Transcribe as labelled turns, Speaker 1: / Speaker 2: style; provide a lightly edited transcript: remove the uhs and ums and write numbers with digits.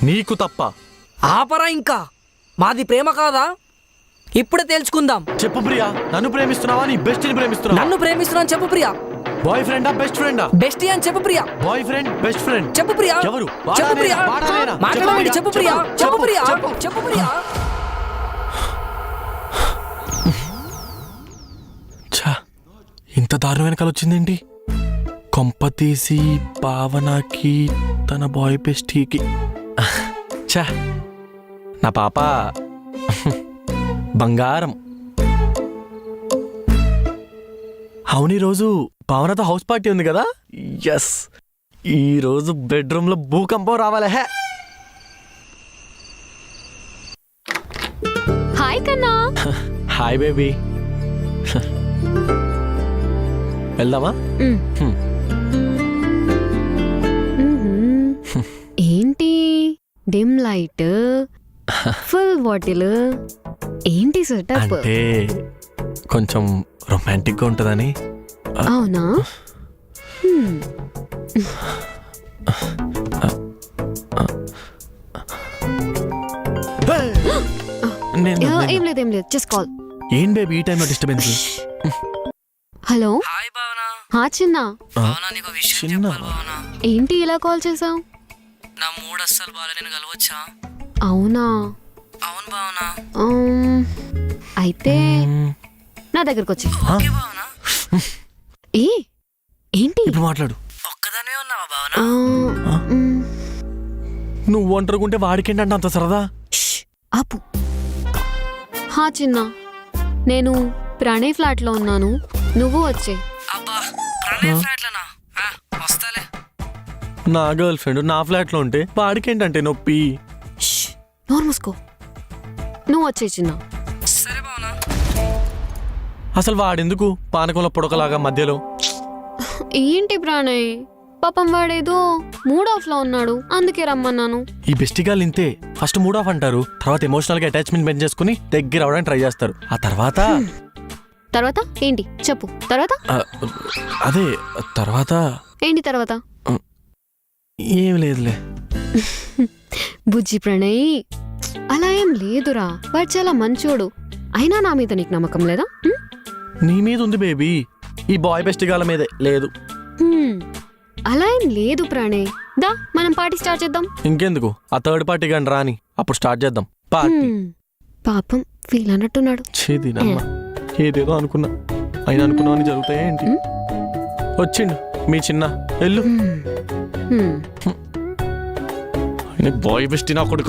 Speaker 1: నీకు తప్ప.
Speaker 2: ఆపరా ఇంకా. మాది ప్రేమ కాదా? ఇప్పుడే తేల్చుకుందాం.
Speaker 1: చెప్పు ప్రియా, నన్ను ప్రేమిస్తున్నావా నీ బెస్ట్ని ప్రేమిస్తున్నావా?
Speaker 2: నన్ను ప్రేమిస్తున్నాను చెప్పు ప్రియా.
Speaker 1: బాయ్ ఫ్రెండా బెస్ట్ ఫ్రెండా?
Speaker 2: బెస్టీ అని చెప్పు Priya.
Speaker 1: Boy friend best friend
Speaker 2: చెప్పు ప్రియా.
Speaker 1: ఎవరు?
Speaker 2: చెప్పు ప్రియా. మాట్లాడండి. చెప్పు ప్రియా. చెప్పు ప్రియా. చెప్పు ప్రియా.
Speaker 1: ఛా, ఇంత దారుణం వెనకాల వచ్చిందేంటి? కొంప తీసి పావనకి తన బాయ్ బెస్టీకి. ఛా, నా పాప బంగారం. అవును, ఈరోజు పావనతో హౌస్ పార్టీ ఉంది కదా? ఎస్, ఈరోజు బెడ్రూమ్ లో భూకంపం రావాలి. హే,
Speaker 3: హాయ్ కన్నా.
Speaker 1: Hi baby. వెళ్దామా?
Speaker 3: ఏంటి డిమ్ లైట్, ఫుల్ బాటిల్, ఏంటి సెటప్?
Speaker 1: అంటే కొంచెం రొమాంటిక్ గా ఉంటుందని.
Speaker 3: అవునా? ఏం లేదు జస్ట్ కాల్.
Speaker 1: ఏం బేబీ ఈ టైంలో డిస్టర్బెన్స్?
Speaker 3: హలో.
Speaker 2: హాయ్ భావనా.
Speaker 3: హా చిన్న.
Speaker 2: భావనా నీకు విషయం చెప్పాలి భావనా.
Speaker 3: ఏంటి ఇలా కాల్ చేసావు?
Speaker 2: నా మూడ్ అస్సలు బాగా, నేను కలవచ్చా?
Speaker 3: అవునా?
Speaker 2: అవును భావనా.
Speaker 3: అయితే నా దగ్గరకు వచ్చి.
Speaker 2: ఓకే భావనా.
Speaker 3: ఏంటి
Speaker 1: ఇప్పుడు మాట్లాడు.
Speaker 2: ఒక్కదానే ఉన్నావా భావనా?
Speaker 1: నువ్వు ఒంటరికుంటే వాడికేంటంటే అంత సరదా?
Speaker 3: ఆపు. హా చిన్న, నేను ప్రణయ్ ఫ్లాట్ లో ఉన్నాను, నువ్వు వచ్చే.
Speaker 2: అబ్బా, ప్రణయ్ ఫ్లాట్లనా? వస్తాలే.
Speaker 1: నా గర్ల్ ఫ్రెండ్ నా ఫ్లాట్ లో ఉంటే వాడికేంటంటే నొప్పి?
Speaker 3: నోరు మూసుకో. నువ్వు వచ్చే చిన్న.
Speaker 2: సరే భావనా.
Speaker 1: అసలు వాడెందుకు పానకంలో పొడకలాగా మధ్యలో?
Speaker 3: ఏంటి ప్రణయ్, పాపం వాడేదో మూడ్ ఆఫ్ లో ఉన్నాడు, అందుకే రమ్మన్నాను.
Speaker 1: ఈ బెస్టిగాళ్ళు ఇంతే. ఫస్ట్ మూడ్ ఆఫ్ అంటారు, తర్వాత ఎమోషనల్ గా అటాచ్మెంట్ పెంచేసుకుని దగ్గర అవడానికి ట్రై చేస్తారు. ఆ తర్వాత
Speaker 3: తర్వాత ఏంటి చెప్పు. తర్వాత
Speaker 1: అదే తర్వాత
Speaker 3: ఏంటి తర్వాత?
Speaker 1: ఏం లేదులే.
Speaker 3: బుజ్జి ప్రణయ్, అలా ఏం లేదురా, వాడు చాలా మంచోడు. అయినా నా మీద నీకు నమ్మకం లేదా?
Speaker 1: నీ మీద ఉంది బేబీ, ఈ బాయ్ బెస్టిగాళ్ళ మీదే లేదు.
Speaker 3: అలా ఏం లేదు ప్రణయ్. దా మనం పార్టీ స్టార్ట్ చేద్దాం.
Speaker 1: ఇంకెందుకు, ఆ థర్డ్ పార్టీ కానీ రాని, అప్పుడు స్టార్ట్ చేద్దాం పార్టీ.
Speaker 3: పాపం ఫీల్ అన్నట్టున్నాడు.
Speaker 1: చేదినమ్మ, ఏదేదో అనుకున్నా, అయినా అనుకున్నావని జరుగుతాయా ఏంటి? వచ్చిండు మీ చిన్న, వెళ్ళు. బాయ్ బెస్టీ నా కొడుకు.